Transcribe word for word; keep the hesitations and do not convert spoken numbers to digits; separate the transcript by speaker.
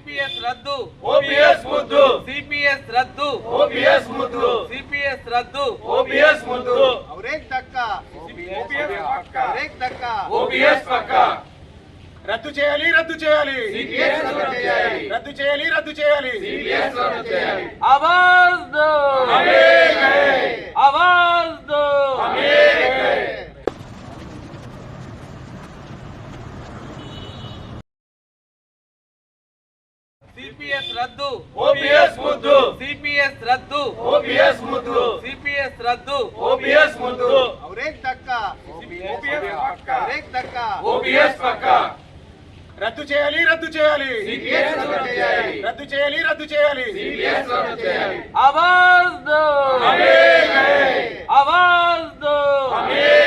Speaker 1: CPS రద్దు
Speaker 2: OPS ముద్దు
Speaker 1: CPS రద్దు
Speaker 2: ఓపీఎస్ ముద్దు
Speaker 1: సిపిఎస్ రద్దు
Speaker 2: ఓపీఎస్ ముద్దు
Speaker 1: అవరేక్ దక్కా
Speaker 2: ఓపీఎస్ పక్కా
Speaker 1: అవరేక్ దక్కా
Speaker 2: ఓపీఎస్ పక్కా
Speaker 3: రద్దు చేయాలి రద్దు చేయాలి
Speaker 2: సిపిఎస్ రద్దు చేయాలి
Speaker 3: రద్దు చేయాలి రద్దు చేయాలి
Speaker 2: సిపిఎస్ రద్దు చేయాలి
Speaker 1: आवाज दो
Speaker 2: हमें है
Speaker 1: आवाज दो
Speaker 2: हमें है
Speaker 1: సిపిఎస్ రద్దు
Speaker 2: ఓపీఎస్ ముద్దు
Speaker 1: సిపిఎస్ రద్దు
Speaker 2: ఓపీఎస్ ముద్దు
Speaker 1: సిపిఎస్ రద్దు
Speaker 2: ఓపీఎస్ ముద్దు
Speaker 1: అవరేక్ దక్కా
Speaker 2: ఓపీఎస్ పక్కా
Speaker 1: అవరేక్ దక్కా
Speaker 2: ఓపీఎస్ పక్కా
Speaker 3: రద్దు చేయాలి రద్దు చేయాలి
Speaker 2: సిపిఎస్ రద్దు చేయాలి
Speaker 3: రద్దు చేయాలి రద్దు చేయాలి
Speaker 2: సిపిఎస్ రద్దు చేయాలి
Speaker 1: आवाज दो
Speaker 2: हमें है
Speaker 1: आवाज दो
Speaker 2: हमें